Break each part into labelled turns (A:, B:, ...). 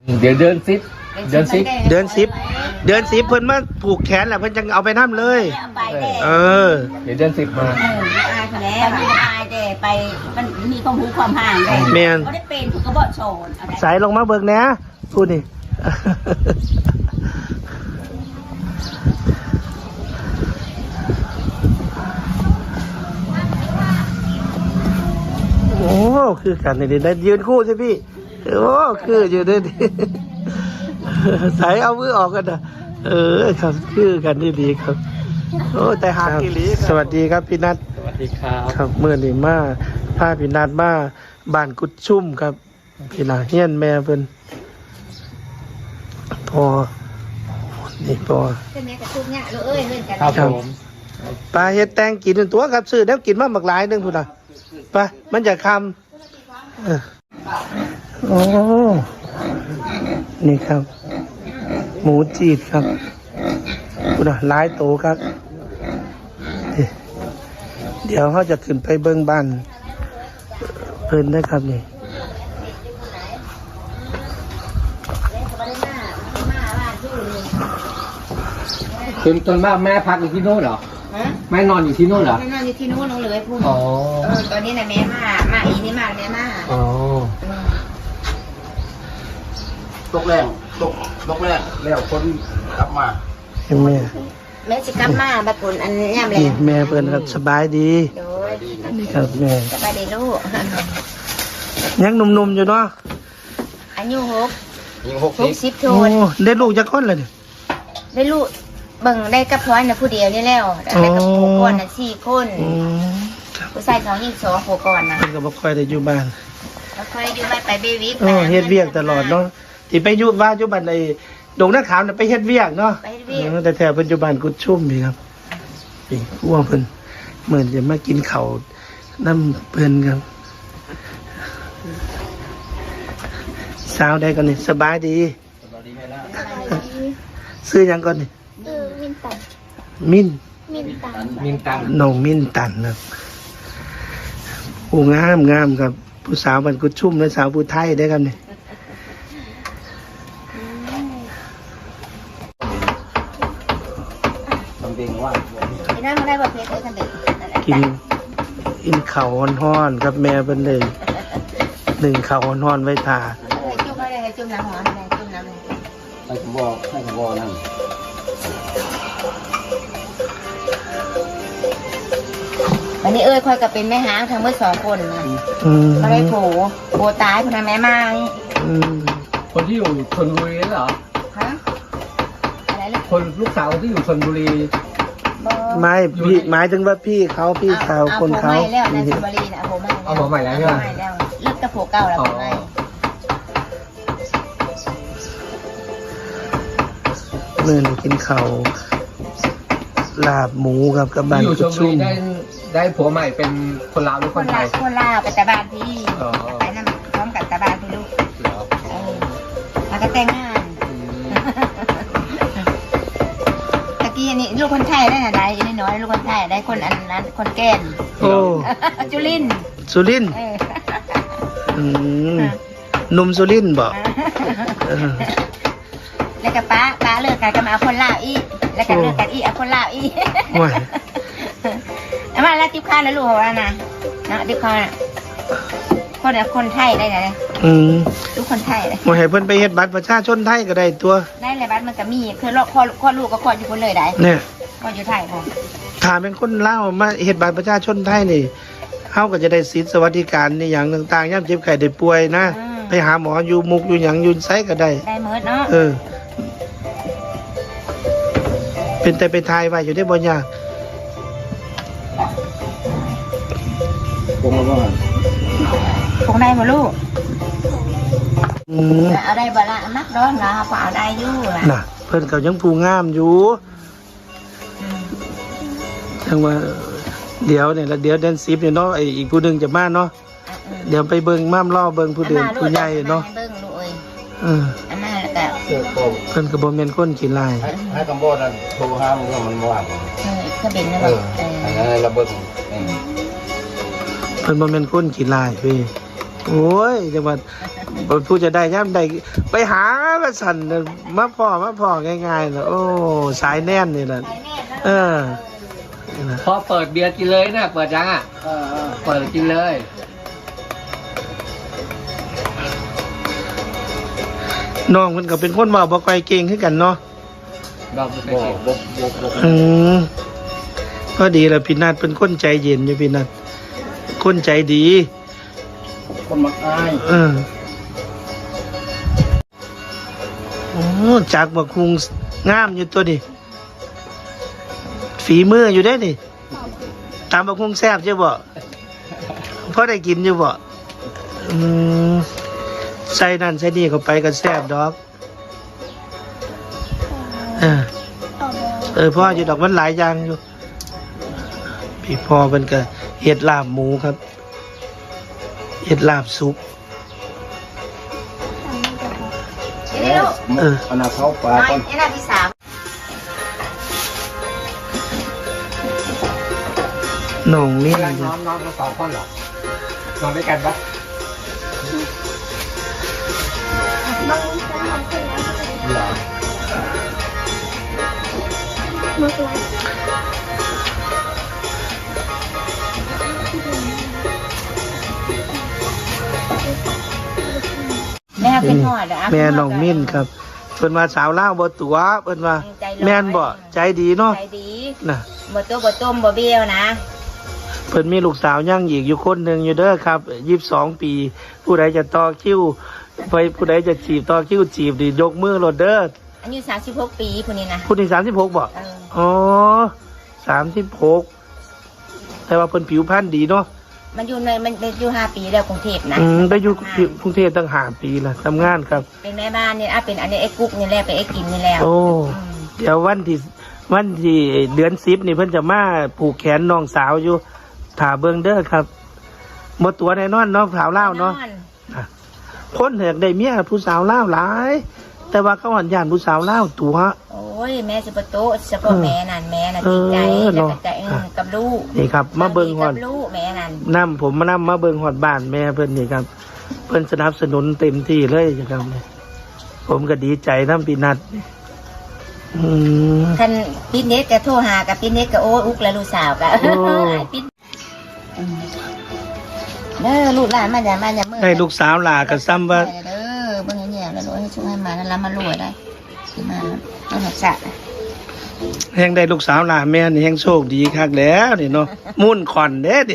A: เดี๋ยวเดือน10เดือน10
B: เดือน10เพิ่นมาผูกแขนแหละเพิ่นจังเอาไปน้ำเลย
A: เดี๋ยวเดือน10มา
C: อายไปแล้วอายเด้ไปมันมีความรู้ความห่างเด้
B: แม่น
C: เขาได้เป็นเขาก็บ่โชน
B: สายลงมาเบิกแหน่พูดนี่ โอ้คือกันนี่ได้ยืนคู่ใช่พี่โอ้คืออยู่ด้วยดิ สายเอามือออกกันนะครับคือกันดีๆครับโอ้แต่หากิลีสวัสดีครับพี่นัท
A: สวัสดีครับ
B: ครับเมื่อนี่มาพาพี่นัทมาบ้านกุดชุ่มครับพี่นาเฮียนแม่เพิ่นพอนี่พอ
C: เป็นแม่กระทุกเนี่ยลูกเอ้ยเล่นกัน
A: ครับผม
B: ปลาเฮ็ดแตงกินเป็นตัวครับซื้อแล้วกินมาหมักหลายนึงพุ่นน่ะไปมันจะคำโอ้นี่ครับ หมูจีดครับพุ่นน่ะหลายโตครับเดี๋ยวเขาจะขึ้นไปเบิ้งบ้านเพิ่นได้ครับนี่
A: จนว่าแม่พักอยู่ที่โน่นเหรอแม่นอนอยู่ที่โน่นเหรอ
C: แม่นอนอยู่ที่นู้นน้องเลยพูด
A: อ๋อ
C: ตอนนี้น่ะแม่มาอีนี่มาแม่มา
A: อ๋อ
D: ตกแรงแล้วคนกลับมา
B: เห็นไหม
C: แม่สิกลับมาบัดผลอันย่ำแล้
B: นี่
C: ว
B: แม่เพิ่นครับสบายดี
C: โดย
B: นี่ครับแม่
C: สบายดีลูก
B: ยังหนุ่มๆอยู่เนาะ
C: อายุ
D: ยิง
C: 60โท
B: โอ้
C: น
B: ได้ลูกจักคนเลยนี่
C: ได้ลูกเบิ่งได้กับพร้อยน่ะผู้เดียวนี่แล้วได้กับผู้ก่อนน่ะ4คน
B: อืมครับ
C: ผู้ชาย2หญิง2ผู้ก่อนน่ะ
B: เพิ่นก็บ่ค่อยได้อยู่บ้าน
C: แล้วค่อยอยู่ไปเบวิก
B: เฮ็ดเวียกตลอดเนาะที่ไปอยู่บ้านอยู่บ้านไอ้ดงนาขาวน่ะไปเฮ็ดเวียกเนาะ
C: ไปเฮ็ดเวียก
B: แต่แถวปัจจุบันกุดชุ่มนี่ครับนี่พวกเพิ่นเหมือนจะมากินข้าวน้ำเพิ่นครับสาวได้ก่อนนี่สบายดีซื้อหยังก่อนนี่
C: มินตัน
B: มิ้น
A: มินตัง
B: น้องมิ้นตันครับผู้งามครับผู้สาวบ้านกุดชุ่มและสาวผู้ไทยได้ครับนี่
D: ทำเองว่า
C: ไอ้นั่นมันได้บ่เพชรได้กันเด็ก
B: กินข้าวฮ้อนๆครับแม่เพิ่นเลยหนึ่งข้าวฮ้อนๆไว้ทา
C: จุ่มอะไรให้จุ่มน้ำหอมให้จุ่มน้ำเลย
D: ให้ขบอนั่น
C: วันนี้ค่อยก็เป็นแม่หางทั้งหมด2คนนะ ก็ได้โผตายคนนั้นแม่มา
A: คนที่อยู่ชลบุรีเหรอ
C: ฮะอะไรล่ะ
A: คนลูกสาวที่อยู่ชลบุรี
B: ไม่พี่หมายถึงว่าพี่เขาคนเขา
C: ไม่แล้วนะชลบุรีนะโผไม่
A: เอาหัวใหม่แล้วใช่ไหม
C: ไม่แล้วเลิกกับโผเก่าแล้วไม่
B: เมื่อนี้กินข้าวลาบหมูครับกับบ้าน
A: อยู่ช
B: กุ
A: ล
B: ด
A: บุรี
B: ชุ่ม
A: ได้ผัวใหม่เป็นคนลาวหรือคนไทย
C: คนลาวไปแต่บ้านพี่
A: อ๋อ
C: ไปนั่นพร้อมกับแต่บ้านพี่ลูก
A: เหรอ
C: แล้วก็แต่งงาน
A: อืม
C: ตะกี้นี่ลูกคนไทยได้ไหนได้น้อยลูกคนไทยได้คนอันนั้นคนแก่น
B: โอ้
C: จุลิน
B: สุรินทร์หนุ่มสุรินทร์บอก
C: แล้วก็ป้าเลิกกันก็มาเอาคนลาวอีกแล้วก็เลิกกันอีกเอาคนลาวอีก
B: ว้าย
C: เอามาแล้วติ๊บข้าวแล้วลูกของเรานะนะติ๊บข้าวน่ะคนไทยได้ไหนลูกคนไทยเลย
B: บ่ให้เพิ่นไปเฮ็ดบัตรประชาชนไทยก็ได้ตัว
C: ได้เลยบ้านมันก็มีคือคลอดลูกก็คลอดอยู่คนเลยได้
B: เนี่ย
C: คลอดอยู่ไทยพอ
B: ถ้าเป็นคนลาวมาเฮ็ดบัตรประชาชนไทยนี่เฮาก็จะได้สิทธิสวัสดิการในอย่างต่างๆยามเจ็บไข้ได้ป่วยนะไปหาหมออยู่มุกอยู่หยังอยู่ไสก็ได้
C: ได้เมิดเนาะ
B: เป็นแต่ไปทายไว้อยู่ได้บ่ยาก
D: ผมมาว่า
C: คงได้มาลูก
B: อืม
C: เอาได้บ่ละนักร้อนนะพอเอาได้อยู่ล่ะ
B: น่ะเพิ่นก็ยังผู้งามอยู่จังว่าเดี๋ยวเนี่ยแล้วเดี๋ยวเดือน10เนี่ยเนาะไอ้อีกผู้หนึงจะมาเนาะเดี๋ยวไปเบิ่งม่ามล่อเบิ่งผู้เดือนผู้ใหญ่เนาะ
C: เบิ่งลูกเอ้ย อันนั้นแล้วก็
B: เพิ่นก็บ่แม่นคนขี้ลาย
D: ให้คำบอกนั่นโทรห้ามมันว่าง
C: เครื่องบินนะบอก
D: อันนั้นระเบิด
B: เพิ่นบ่แม่นคนขี้ลายเว้ยโอ้ยจังหวัดผู้จะได้ย่ำได้ไปหามาสั่นมาพ่อง่ายๆนะโอ้สายแน่นนี่แหละเออ
A: พอเปิดเบียร์กินเลยนะเปิดยังอ่ะเปิดกินเลย
B: น้องมันก็เป็นคนเว้าบ่ค่อยเก่งคือกันเนาะ
A: เราไม่เคย
D: บ่
A: กิน
D: บ่
B: ก็ดีแหละพี่นัทเป็นคนใจเย็นอยู่พี่นัทคนใจดี
D: คนมักอาย
B: โอ้จากบักคุงงามอยู่ตัวนี่ฝีมืออยู่ได้นี่ตามบักคุงแซ่บใช่บ่พอได้กินอยู่บ่ใส่นั่นใส่นี่เข้าไปก็แซ่บดอกพ่ออยู่ดอกมันหลายอย่างอยู่พี่พ่อมันก็เห็ดลาบหมูครับเห็ดลาบซุป
C: นี่ลูก
D: อันน่ะเข้าปลา
C: น้อย
D: ก่อน
C: ไอ้น่าที่สาม
B: น้องนี่
A: เวลานอนกันสองคนเหรอ นอนด้วยกันปะเหรอ
C: แม่เป็นหอดอ่ะ
B: แม่น้องมิ้นครับเพิ่นมาสาวล่าวบ่ตัวเพิ่นว่าแม่นบ่ใจดีเนาะ
C: ใจดี
B: น่ะ
C: บ่ตัวบ่ต้มบ่เบี้ยวนะ
B: เพิ่นมีลูกสาวย่างอีกอยู่คนหนึ่งอยู่เด้อครับ22 ปี ผู้ใดจะต่อคิวไปผู้ใดจะจีบต่อคิวจีบดิยกมือโลดเด้อ
C: อายุ36 ปีผู้นี้นะ
B: ผู้ที่36บ่อ๋อ36แต่ว่าเพิ่นผิวพรรณดีเนาะ
C: มันอยู่ในมันอยู่5 ปีแล้วกรุงเทพนะ
B: ได้อยู่กรุงเทพตั้ง5 ปีละทำงานครับ
C: เป็นแม่บ้านนี่เป็นอันนี้ไอ้กุ๊กนี่แหละเป็นไอ้กินนี่แล้ว
B: โอ้เดี๋ยววันที่เดือน10นี่เพิ่นจะมาผูกแขนน้องสาวอยู่ถาเบิ่งเด้อครับหมดตัวแน่นอนน้องสาวลาวเนาะคนอยากได้เมียผู้สาวลาวหลาย แต่ว่าเขาหันยานผู้สาวลาวตัว
C: โอ้ยแม่สิบ่โตเฉพาะแม่นั่นแม่น่ะจริงใจแล้วก็ใจกับลูก
B: นี่ครับมาเบิ่งฮอด
C: กับลูกแม่นั่น
B: นำผมมาเบิ่งฮอดบ้านแม่เพิ่นนี่ครับ เพิ่นสนับสนุนเต็มที่เลยครับผมก็ดีใจนำพี่นัท
C: คันพี่เน็ตก็โทรหากับพี่เน็ตก็โอ้อุกแล้วลูกสาวก็พี่เด้อลูกหลานมาอย่ามื้อ
B: ได้ลูกสาวหลาก็ซ้ำว่า
C: เด้อเบิ่งแย่ๆแล้วลูกให้ช่วยให้มาแล้วมารวยได้สิมาเอาหักษะ
B: แฮงได้ลูกสาวหลาแม่นี่แฮงโชคดีคักแล้วนี่เนาะมุ่นขอนเด้ดิ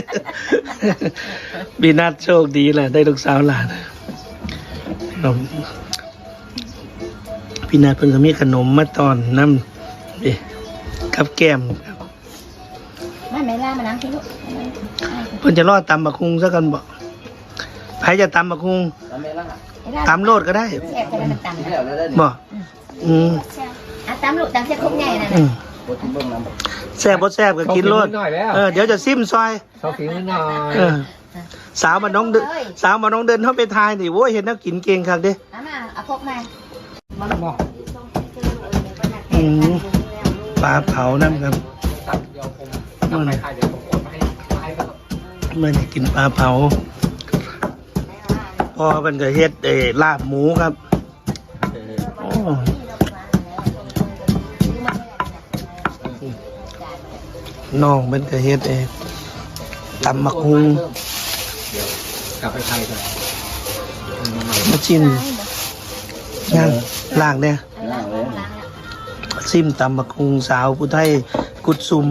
B: พี่นัทโชคดีแหละได้ลูกสาวหลานพี่นัทเพิ่นก็มีขนมมาตอนน้ำดิกับแก้มครับ
C: มาแม่ล่ามานั่งที่ลูก
B: เพิ่นจะรอดตำบักคุงซะกันบ่ใครจะตำบักคุงตำโลดก็ได้
C: แซ่บก็ได้มันตำนะ
B: บ่
C: ตำลูกตำเส้นคุกใหญ่นั่น
B: แซ่บบ่แซ่บก็กินโลดเดี๋ยวจะซิมซอย
A: ชอบฝีมือหน่อย
B: สาวมาน้องเดินเข้าไปทายนี่โว้ยเห็นนักกินเก่งคักเด้
C: เอามาเอาพกมา
B: ปลาเผานั่นครับ
A: ตัดเดียวผมทำไปขายเดี๋ยวผมโอนมาให้ครับ
B: ไม่ได้กินปลาเผาพ่อมันก็เฮ็ดลาบหมูครับโอ้น้องมันก็เฮ็ดตำมักฮุง
A: กลับไปไทยก่อน
B: มาชิมย่างล่างเนี่ยซิมตำมักฮุงสาวผู้ไทยกุดซุม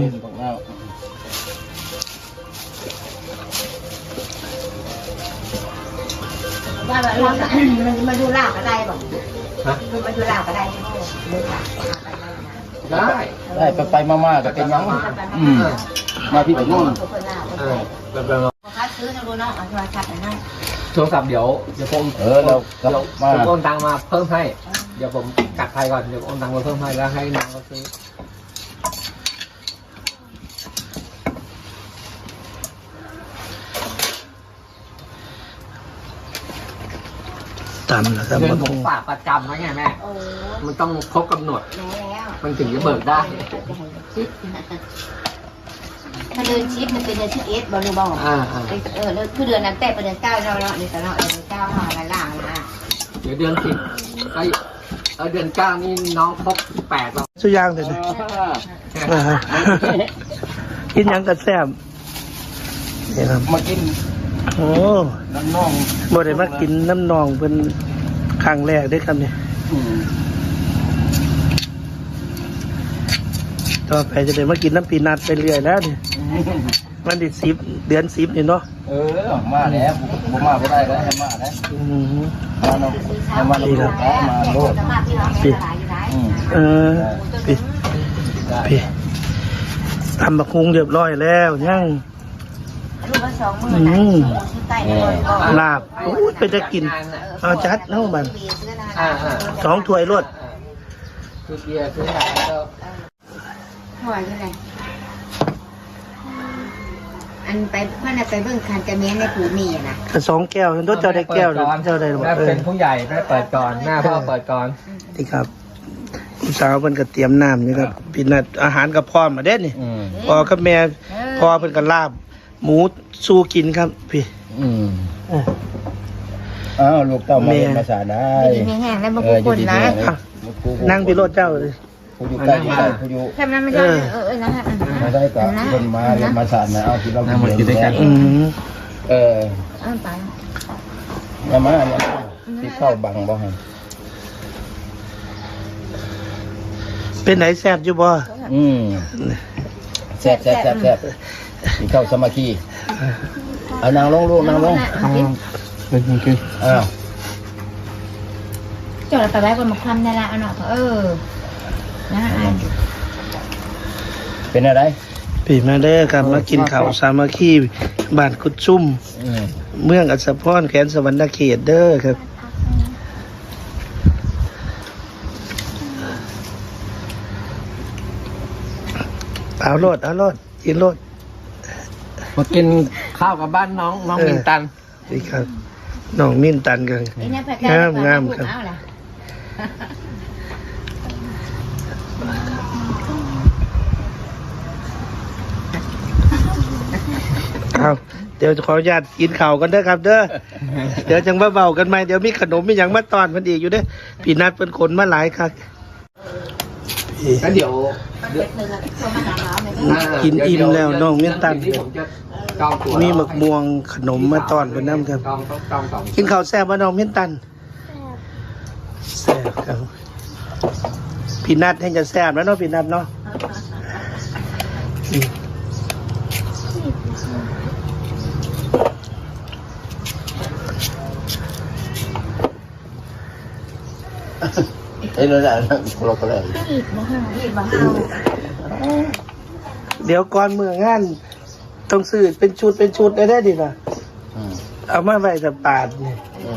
C: ว่ามันมาดูลาบก็ได้บ่มาดูลาบก็ได้
A: ได้
D: ไปมาก็เป็นยังมาที่นู่น
C: คัดซื้อนะดูเนาะเอาโทรศัพท์นะ
A: โทรศัพท์เดี๋ยวผม
D: เรามา
A: ผมโอนตังมาเพิ่มให้ เดี๋ยวผมกัดไทยก่อนเดี๋ยวโอนตังมาเพิ่มให้แล้วให้น้องเขาซื้อ
B: ตำนะครับ
A: เงินผมฝากประจำไว้ไงแม่ มันต้องครบกำหนด มันถึงจะเบิกได้
C: ถ้าเดือนชิปมันเป็นเดือน11บ่รู้บ่แล้วคือเดือนนั้นแต่เป็นเดือน9เนาะนี่ตลอดเดือน9หาละล่างนะ
A: เดี๋ยวเดือน10เดือน9นี่น้องครบ8แล้ว
B: สุย่างเลยนะกินหยังกระแซบนี่ครับ
D: มากิน
B: โอ้
D: น้ำน่อง
B: บ่ได้มากินน้ำนองเป็นครั้งแรกได้อครับเนี่ยต่อไปจะได้มากินน้ำปีนัดไปเรื่อยแล้วเนี่ยวันที่10 เดือน10นี่เนาะ
D: มาแล้วผมมาไม่ได้แล้วให้มาแล้วมาเนาะให้มาโลดมาโลด
B: พี่พี่ทำบักฮุงเรียบร้อยแล้วยัง
C: ลูกละ20,000นะที่ใต้บ่
B: ลาบโอ้ยไปจะกินเอาจัดเนาะบัน 2 ถ้วยรวด
A: คือเบียร์คือหลายแล้ว
C: หัวอยู่ไหนอันไปเพื่อนไปเบิ่งคันจะเมียนในผูมีนะ
B: 2 แก้วรถเจ้าได้แก้วหรือเจ้าได้หรือ
A: แม่เป็นผู้ใหญ่แม่เปิดก่อนแม่พ่อเปิดก่อน
B: ที่ครับลูกสาวเพิ่นก็เตรียมน้ำนี่ครับพี่นัดอาหารกับพร้อมมาเด้นี่พ่อกับแม่พ่อเพิ่นก็ลาบหมูสู้กินครับพี่
D: อ้าวลูกเต้ามาเรียนภาษาได้
C: ดีมีแห้งแล้วบางคนนะ
B: นั่งพี่รถเจ้าเลย
D: ผู้อยู่ใกล้อยู่ใกล้ผู้อยู่
C: แค่นั้นไม่ได้นะฮะ
D: มาได้กับคนมาเรียนภาษานะเอาที่เรากินด้วยกัน
C: ไป
D: มาเนี่ยที่เข้าบังบ่ฮะ
B: เป็นไหนแซ่บอยู่บ่
D: แซ่บที่เข้าสมาธิเอานางลงลูกนางลงอ้าว
C: จอดไปไว้บนมะขามนี่ละเอาหน่อยนะ
D: เป็นอะไร
B: พี่มาเด้อครับมากินข้าวสามัคคีบ้านกุดซุ่มเมืองอัศพรแขวนสวรรณเขตเด้อครับเอาโลดกินโลด
A: มากินข้าวกับบ้านน้องมินตัน
B: นี่ครับน้องมินตันกันงามครับเอาเดี๋ยวขออนุญาตกินข้าวกันเด้อครับเด้อเดี๋ยวจังว่าเบากันไหมเดี๋ยวมีขนมมีอย่างมาตอนมันอีกอยู่เด้อพี่นัดเป็นคนมาหลายครับ
A: แล้วเดี๋ยว
B: กินอิ่มแล้วน้องมินตัน
A: ผมจะจองตั๋ว
B: มีหมึกม่วงขนมมาตอนเป็นน้ำครับ
A: จองสอง
B: กินข้าวแซ่บมาน้องมินตันแซ่บครับพี่นัดให้จะแซ่บแล้วเนาะพี่นัดเนาะ
D: เอ้ยเราได้เราก็ได้
B: เดี๋ยวก่อนเมื่องานต้องซื้อเป็นชุดได้ดิล่ะเอามาไว้แต่ปาดนี่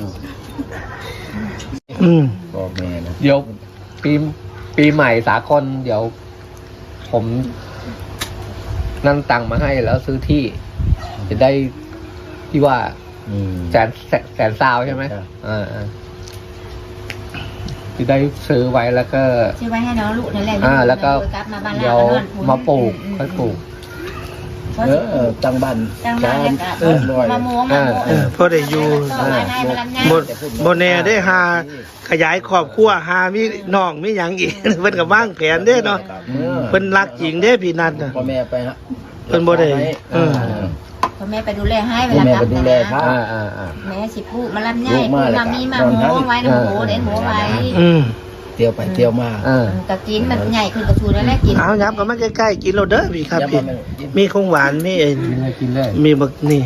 D: บอกแม่นะ
A: เดี๋ยวปีใหม่สากลเดี๋ยวผมนั่งตังค์มาให้แล้วซื้อที่จะได้ที่ว่าแสนซาวใช่ไหมจะได้ซื้อไว้แล้วก็
C: ซื้อไว้ให้น้องลูกนั่นแหละ
A: แล้วก็เดี๋ยวมาปลูกค่อยปลูก
D: ตั้งบ้าน
C: มะม่วง
B: พอได้อยู่โบแน่ได้หาขยายครอบครัวหามีน้องมีหยังอีกเพิ่นก็วางแผนเด้เนาะเพิ่นรักจริงเด้พี่นัทน่ะ
D: พ่อแม่ไปฮะ
B: เพิ่นบ่ได้
C: พ่อแม่ไปดูแลให้เว
D: พ่อ
C: ลา
D: แม่
C: กลั
D: ไป
C: บ
D: ดูแล
C: นะ
D: พระ
C: แม่สิพูดมาลำไยพูดมามีมาหมูไว้นะหมูเด่นหมูไว้
D: เที่ยวไปเที่ยวมา
C: ก็กินมันใหญ่ขึ้นกระชูนั่นแหละกิน
B: เอายับก็มาใกล้ๆกินเราเด้อพี่ครับพี่มีของหวานมี
A: กินเลย
B: มีบักนี่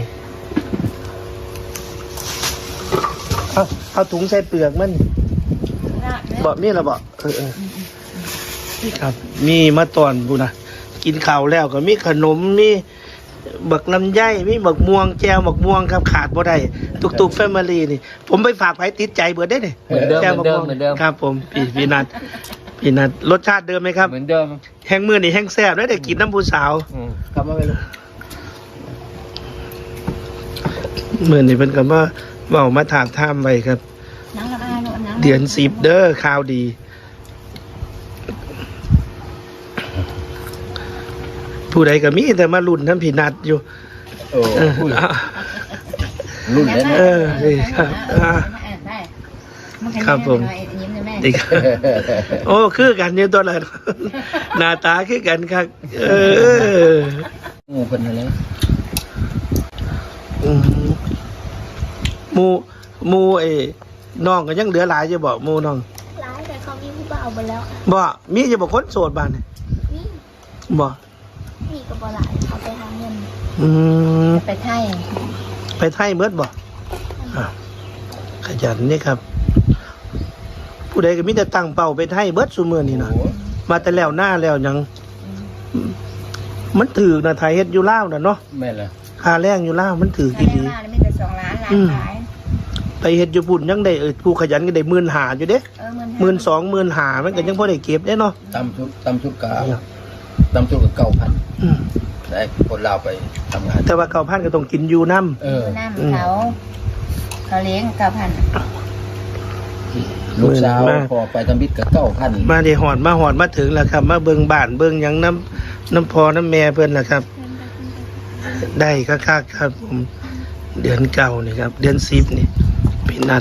B: เอาถุงใส่เปลือกมันบ่มีละบ่ครับมีมาตอนพูนะกินข้าวแล้วก็มีขนมมีบักลำไยมีบักม่วงแจวบักม่วงครับขาดบ่ได้ตุกแฟมิลี่นี่ผมไปฝากไว้ติดใจเบิดได้นี่แจวบักม่วงครับผมพี่นัทรสชาติเดิมไหมครับ
A: เหมือนเดิม
B: แห้งมือนี่แห้งแซ่บแล้วได้กินน้ำผู้สาว
D: กลับมาไปลูก
B: มือนี่เป็นคำว่าเว้ามาถามท่ามไว้ครับเดือน10เด้อข่าวดีผู้ใดก็มีแต่มาลุ้นน้ำผีนัดอยู่
D: โอ้
B: เออ
D: รุ่นนั้น
B: เออนี่ครับครับผมนี่ครับโอ้คือกันอยู่ตัวละหน้าตาคือกันครับ
D: งูเป็นอะไร
B: อืมหมูไอ้น้องก็ยังเหลือหลายจะบอกหมูน้อง
E: ร้ายแต่เขามีผู้บ่าวหมดแล้ว
B: บ่มีจะบอกคนโสดบ้านนี่
E: นี่
B: บ่
E: มีกับบ่หลายเขาไปหาเงิน
B: อืม
C: ไปไทย
B: ไปไทยเบิดบ่อ้าวขยันนี่ครับ ผู้ใดก็มีแต่ตั้งเป้าไปไทยเบิดซุมื้อนี่นะมาแต่แล้วหน้าแล้วหยังมันถือนะไทยเฮ็ดอยู่ลาวน่ะเนาะ
D: แม่ละ
B: ค่าแรงอยู่ลาวมันถือ
C: ถ้า
B: ดี
C: ได้มาไม่แต่2 ล้านล้านขาย
B: ๆไปเฮ็ดอยู่ปุ่นยังได้ผู้ขยันก็ได้15,000อยู่เด้ 12,000 15,000มันก็ยังพอได้เก็บได้เนาะ
D: ตำชุดกาตำชุดกับ9,000
B: อืม
D: ได้คนลาวไปทำงาน
B: แต่ว่า9,000ก็ต้องกินอยู่นำ
D: เออ
C: น้ำเขาเลี้ยง9,000
D: ลูกสาวพอไปทำบิดกับ9,000
B: มาได้หอดมาถึงแล้วครับ มาเบิ่งบ้านเบิ่งหยังน้ำพอน้ำแม่เพิ่นล่ะครับ ได้คักๆครับผมเดือนเก่านี่ครับ เดือน10นี่พี่นัด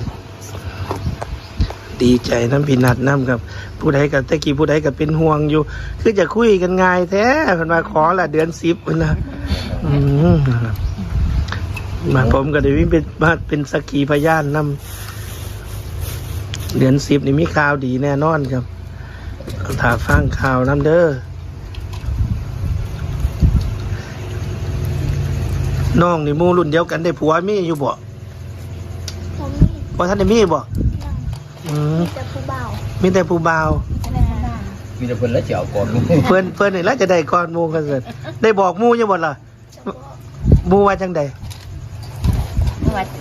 B: ดีใจน้ำพี่นัดน้ำครับ ผู้ใดกับตะกี้ผู้ใดกับเป็นห่วงอยู่ คือจะคุยกันง่ายแท้เพิ่นมาขอละเดือน10เพิ่นนะนะครับมาผมก็ได้วิ่งเป็นสักขีพยานนำเดือน10นี่มีข่าวดีแน่นอนครับถ้าฟังข่าวนํเด้อน้องนี่หมู่รุ่นเดียวกันได้ผัวมีอยู่บ่
E: ผมมี
B: บ่ทันได้มีบ่
E: ยัง
B: อืม
E: มีแต่ผู้บ่าว
B: มีแต่ผู้บ่าว
D: มีแต่เพิ่นแล้วเจ้าก่อน
B: เพิ่นนี่แล้วจะได้ก่อนหมู่กันเสิได้บอกหมู่อยู่บ่ล่ะ
E: จะบอก
B: หมู่ว่าจังได๋
C: วัด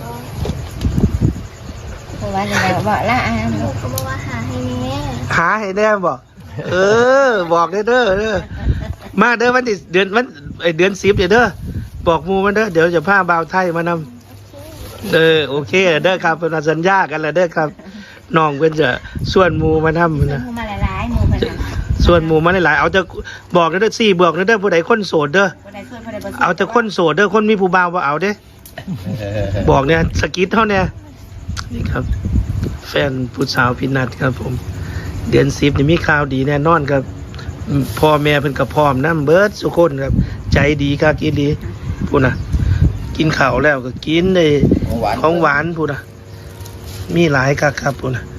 C: อะไรบอกละ
E: หนูก็บอกว่าหาให้แม่
B: หาให้แน่บ่บอกเด้อมาเด้อวันที่เดือน10เด้อบอกหมู่มันเด้อเดี๋ยวจะพาบ่าวไทยมานำ โอเคเด้อครับเป็นสัญญากันแล้วเด้อครับน้องเพิ่นจะส่วนหมู่มาทำ
C: หมู
B: นะ
C: มาหลายๆหมูเป็น
B: ส่วนหมู่มาหลายๆเอาจะบอกเด้อ4บอกเด้อผู้ใดคนโสดเด้อ
C: คนใดช่วยคนใดบ่
B: เอาแต่คนโสดเด้อคนมีผู้บ่าวบ่เอาเด้บอกเนี่ยสกิดเท่าเนี่ยนี่ครับ แฟนผู้สาวพี่นัดครับผม เดือน10นี่มีข่าวดีแน่นอนครับพ่อแม่เพิ่นก็พร้อมนำเบิดทุกคนครับ ใจดีครับอีหลีพูดน่ะ กินข้าวแล้วก็กินได้ ของหวานพูดน่ะมีหลายครับพูดน่ะ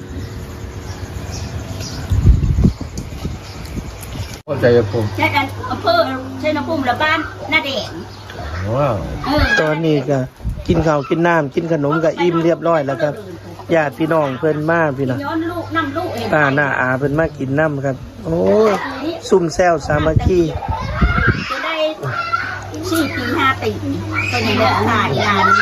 A: เข้าใจผม
F: ใช่กันอำเภอเชนภูมิและบ้านหน้าแดง
A: ว้าว
B: ตอนนี้ก็กินข้าวกินน้ำกินขนมก็อิ่มเรียบร้อยแล้วครับญาติพี่น้องเพิ่นมาพี่น้อง
F: ย้อนลูกนำลูกเอง
B: ป้าหน้าอาเพิ่นมากินน้ำครับ โอ้ยซุ่มแซวสามัคคี
F: จะได้4 ปี 5 ปีตัวนี้เลยหายงานมา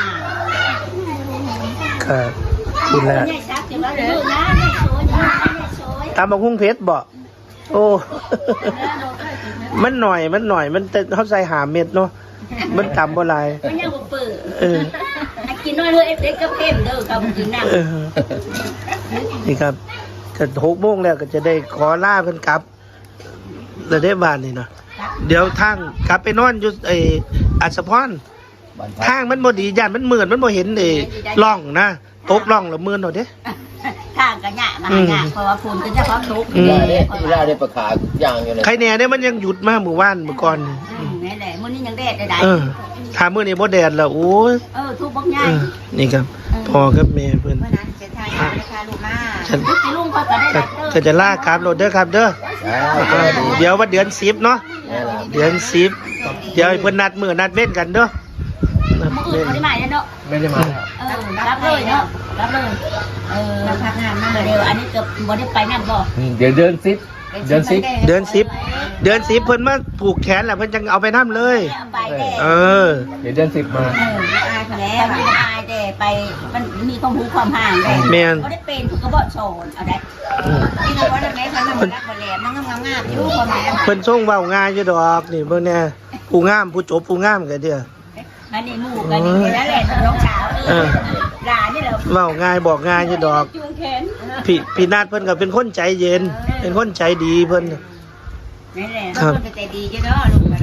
B: ครับกินแล้ว
F: ใหญ่ซักจะว่าลูกนะเนี่ยสวยนะเนี่ยสวย
B: ตามบักหุ่งเพชรบ่โอ้ มันหน่อยมันแต่เขาใส่หาเม็ดเนาะมันต่ำบ่หลาย
F: มันยังบ่เปิด
B: เออ
F: ให้กินน้อยเลยเด็กก็เพิ่มเด้อครับกินน้
B: เออนี่ครับก็6 โมงแล้วก็จะได้ขอลาเพิ่นกลับแล้วได้บ้านนี่เนาะเดี๋ยวทางกลับไปนอนอยู่อัศพรทางมันบ่ดีย่านมันมืดมันบ่เห็นร่องนะตกร่องแล้วมืดเนาะเด้
F: ำทางก็ยะมาหยะเพราะว่าฝุ่นก็จะพร้อมทุกข์
D: อีลาได้ประกาศอย่างอยู่เลย
B: ใครแน่เนี่ยมันยังหยุดมาเมื่อวานเมื่อก่อนนี่
F: นี่แหละมื้อนี้ยังแดดได้
B: ถ้ามื้อนี้บ่แดดแล้วโอ้ย
F: ทุกข์บักใหญ่
B: นี่ครับพ่อกับแม่เพิ่น
C: เมื่อนั้นจะทายเอาเลยค่ะลูกมา
B: ฉัน
F: สิลุงเขาก็ได้
B: ก็จะลากลับรถเด้อครับเด้อเดี๋ยวว่าเดือน10เนาะเดือน10เดี๋ยวให้เพิ่นนัดมื้อนัดเว้นกันเด้อนัด
F: มื้อ
B: เว้น
F: อื่นบ่ได้มาเนาะ
A: ไม่ได้มา
F: รับเลยเนาะรับเลย
C: เราพักงานมา
F: เดี๋ยวอันนี้เกือบบ่ได้ไปนั่นบ่
A: เดี๋ยวเดือน10เดือน10
B: เดือน10เพิ่นมาผูกแขนแล้วเพิ่นจังเอาไปนํเลย
F: เอาไปแต่
B: เออ
A: เดี๋ยวเดือน10มา
C: อายคนแล้
F: แล้ว วมันอายแต่ไปมันมีความรู้ความห่างแต่
B: แม่น
F: บ่ได้เป็นก็บ่สอนเอาได้
C: ที่เราว่าแม่เขาทำมาแล้วคนแหลมนั่งงามๆอยู่คนแหลม
B: เพิ่นส่งเว้าง่ายอยู่ดอกนี่เบิ่งแน่ผู้งามผู้จบผู้งามก็เด้อ
F: อันนี้หมู่กันนี่นั่นแหละน้องสาวหลานนี่แหละ
B: เว้าง่ายบอกง่ายอยู่ดอก
F: จูงแขน
B: พี่นาดเพิ่นก็เป็นคนใจเย็น เป็นคนใจดีเพิ่น
C: นั่นแหละคนก็ใจดีจ้ะเนาะลูกอะไร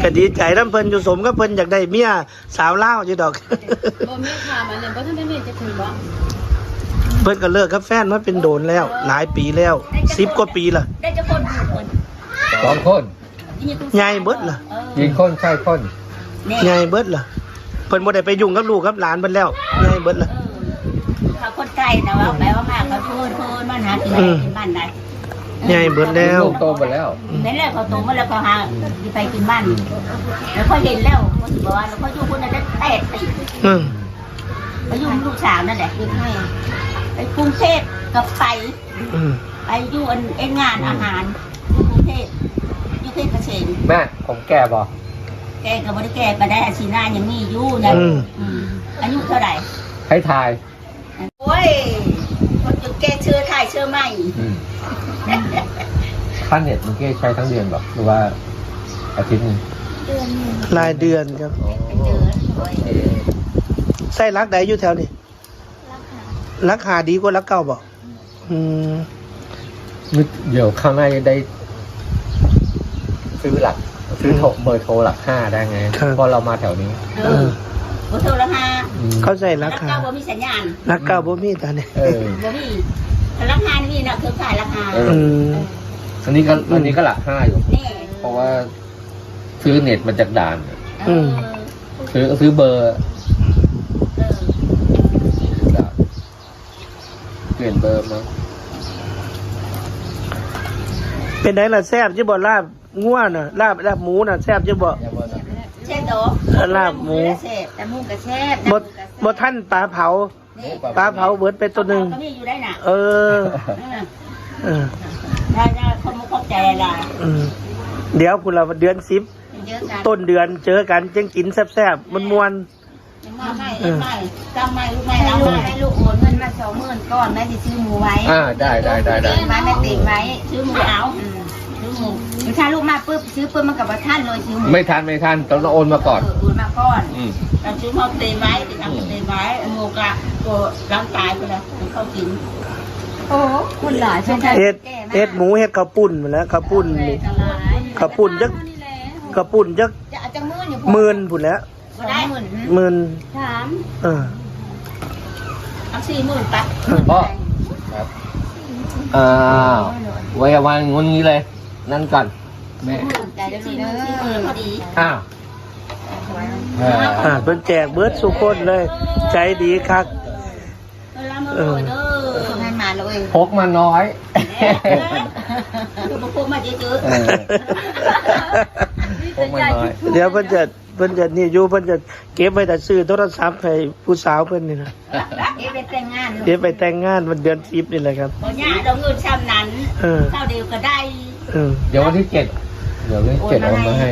B: ก็ดีใจน้ำเพิ่นอยู่สมก็เพิ่นอยากได้เมียสาวลาวอยู่ดอก
F: บ่มีค่ะมันเลยบ่ทันได้มีจะถึงบ่
B: เพิ่นก็เลิกกับแฟนมาเป็นโดนแล้ว หลายปีแล้ว10 กว่าปีละ
C: ได้จะคนอยู่คน
A: 2 คน
B: ใหญ่เบิดล่ะ
A: ยิงคนใช่คน
B: ใหญ่เบิดล่ะเพิ่นบ่ได้ไปยุ่งกับลูกกับหลานเพิ่นแล้วใหญ่เบิดล่ะ
C: เขาคนไกลนะว่าแปลว่ามาเขาพูดมันหากินได้กินบ้านได้
B: ใหญ่เบิดแล้ว
A: ลูกโตหมดแล้ว
C: นั่นแหละเขาโตมาแล้วเขาหาไปกินบ้านแล้วเขาเห็นแล้วเขาบอกว่าแล้วเขาอยู่คนนั้นได้8 ปี
B: อืม
C: เขาอยู่ลูกสาวนั่นแหละคือให้ไปกรุงเทพกับไป
B: อืม
C: ไปอยู่อันงานอาหารอยู่กรุงเทพอยู่เทพเกษม
A: แม่ผมแก่บ่
C: แกก็ไม่ได้แกไปได้อาชีนายังมีอยู่นะอายุเท่าไหร่
A: ให้ทาย
C: โอ้ยคนจุดแกเชื่อไทยเชื่อไม่
A: ค่าเน็ตมันใช้ทั้งเดือนหรอหรือว่าอาทิตย์นึง
E: เดือนหนึ่ง
B: รายเดือนครับ
C: เจอ
B: ไส้รักใดอยู่แถวนี้
E: ราคา
B: รักหาดีกว่ารักเก่าบ่อืม
A: เดี๋ยวข้างหน้าจะได้ซื้อเบอร์โทรหลัก 5ได้ไงเพราะเรามาแถวนี้
C: โทรละห้า
B: เขาใส่รักหา
C: เก้าบ่มีสัญญาณ
B: รักเก่าบ่มีตอนนี้
C: บ่มีราคานี่นะคือขายราคา
B: อืม
A: อันนี้ก็หลัก 5อยู่
C: นี่
A: เพราะว่าซื้อเน็ตมาจากด่าน ซื้อเบอร์ด่านเปลี่ยนเบอร์มา
B: เป็นไงล่ะแซ่บจะบ่ลาบง่วน่ะลาบหมูน่ะแซ่บจะบ่
C: เช่นโด
B: ลาบหมู
C: แซ่บแต่มูกระแซ่บ
B: บ่ท่านปลาเผาปลาเผาเบิดไปตัวหนึง
C: ก็มีอยู่ได้น่ะ
B: เออ เออ
C: ได้คนมุกเข้าใจอะไร
B: อืมเดี๋ยวพุ่นละเดือน10
C: เยอะกัน
B: ต้นเดือนเจอกันจังกินแซ่บๆมันม่วน
C: ไม่จำไม่ลูกไม่เอาให้ลูกโอนเงินมา20,000ก้อนแม่จะซื้อหมูไว้
A: ได้
C: ไว้แม่ติดไว้ซื้อหมูเอาซื้อหมูถ้าลูกมาปุ๊บซื้อปุ๊บมันกับว่าท่านเลยซื้อหมู
A: ไม่ทันต้องโอนมาก่อน
C: โอนมาก่อนเราซื้อเขาเตะไว้ติดทำเตะไว้หมูกะตัวร่างกายไปแล้วเขากินโอ้คุณหลายใช่ไหม
B: เฮ็ดหมูเฮ็ดข้าวปุ้นหมดแล้วข้าวปุ้นนี่ข้าวปุ้นจักข้าวปุ้นจัก
C: จะเอาจังมืออยู่
B: หมื่นพุ่นแล้ว
C: ได้
B: หมื่น
C: 3
B: เออ
C: เอา40,000ไป
A: พ่อครับไว้วางงนงี้เลย นั่นก่อนแม่
C: ใจได้เลยพอดี
A: อ้าว
B: เพิ่นแจกเบิดสุคนเลย ใจดีคัก
C: ให้มาเลย
A: พกมาน้อย
C: คือพวกมาเยอะ
A: พกมาน้อย
B: เดี๋ยวเพิ่นจะนี่อยู่เพิ่นจะเก็บไว้แต่ซื้อโทรศัพท์ให้ผู้สาวเพิ่นนี่นะ
C: ไปแต่งงาน
B: เก็บไปแต่งงานวันเดือน10นี่แหละครับ
C: พอเนี่ยเราเงินช้ำนั้นเท่าเดียวก็ได้
A: เดี๋ยววันที่ 7เดี๋ยววันที่ 7โอนมาให้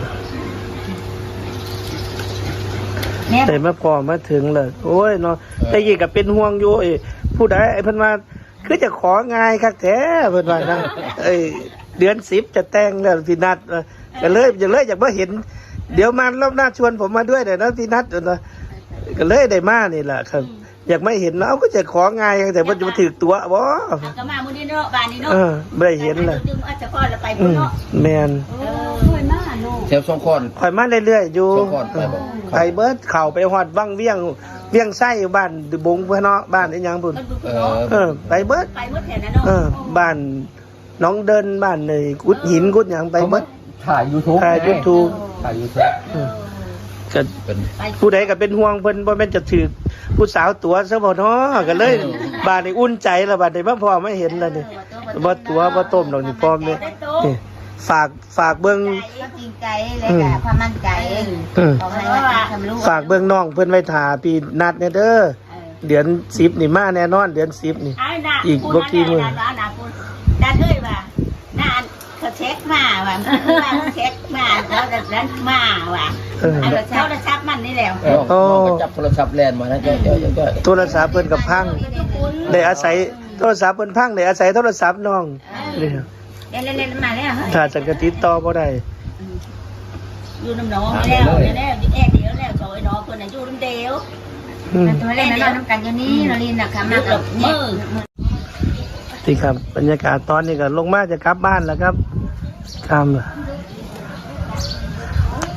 B: แต่มาพอมาถึงเลยโอ้ยเนาะแต่ยี่ก็เป็นห่วงอยู่ผู้ใดเพิ่นว่าคือจะของ่ายคักแท้เพิ่นว่านะเดือน10จะแต่งแล้วพี่นัดก็เลยอยากมาเห็น เดี๋ยวมารอบหน้าชวนผมมาด้วยเดี๋ยวนะพี่นัดก็เลยได้มานี่แหละครับ อยากไม่เห็นเนาะก็จะของ่ายแต่ว่าจะมาถือตัวบ่
C: ก็มามื้อนี้เนาะบ้านนี้เนาะ
B: ไม่ได้เห็นเลย
C: จึงอาจจะพอแล้วไปพุ่นเนาะ
B: แมน
C: เคยมาเนาะ
D: เชฟสองคน
B: คอยมาเรื่อยๆอยู่
D: สองคนไปบ่
B: ไปเบิดเข่าไปหอดวังเวียงไส้บ้านบงเพื่อนเนาะบ้านอีหยังพุ่น ไปเบิด
C: ไปหมดแถวนั้นเนาะ
B: บ้านน้องเดินบ้านเลยกุดหินกุดหยังไปเบิด
A: ถ่าย YouTube
B: ถ่าย YouTube
A: ถ่าย YouTube
B: ก็
D: เป็น
B: ผู้ใดก็เป็นห่วงเพิ่นบ่แม่นจะถือผู้สาวตัวซะบ่เนาะก็เลยบ้านนี้อุ่นใจแล้วบัดนี้มาพ่อไม่เห็นแล้วนี่บ่ตัวบ่ต้มดอกนี่พ่อแม่นี่ฝากเบิ่ง
C: ก็จริงใจเลยกับความมั่นใจบอกให้ว่าทำรู้
B: ฝากเบิ่งน้องเพิ่นไว้ท่าพี่นัดเนี่ยเด้อเดือน10นี่มาแน่นอนเดือน10นี่อีกบ่กี่มื้อ
C: ดันเลยว่าน่าเขาเช็คมาว่าเช็คมาแล้วนั้นมาว่าเอาเช้าแล้วชักมันนี่แล้ว
D: น้องก็จับโทรศัพท์แลนมานะเจ้า
B: โทรศัพท์เพิ่นก็พังได้อาศัยโทรศัพท์เพิ่นพังได้อาศัยโทรศัพท์น้องนี่
C: เล่นมาแล้ว
B: ถ้าจังกะติดต่อบ่ได้
C: อยู่น้ำน้องแล้วแอบเดียวแล้วซอยน้องคนน่ะอยู่น้ำเดียวตัวเล่นนอนน้ำกันอยู่นี่เราลินนะคะมากับมือ
B: ที่ครับบรรยากาศตอนนี้ก็ลงมาจะกลับบ้านแล้วครับครับ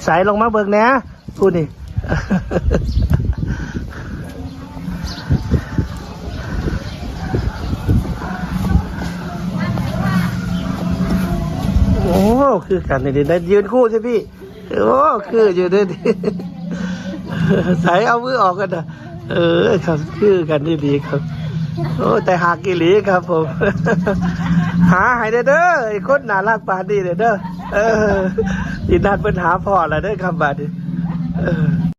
B: สายลงมาเบิกแหน่พูดนี่ โอ้คือกันนี่ได้ยืนคู่ใช่พี่โอ้คืออยู่ด้วยดิ สายเอามือออกกันนะครับคือกันดีๆครับโอ้แต่หากิลีครับผม หาให้เด้อไอ้คนน่ารักปานนี้เด้ออีนัดเป็นหาพ่อละเด้อครับบาดนี้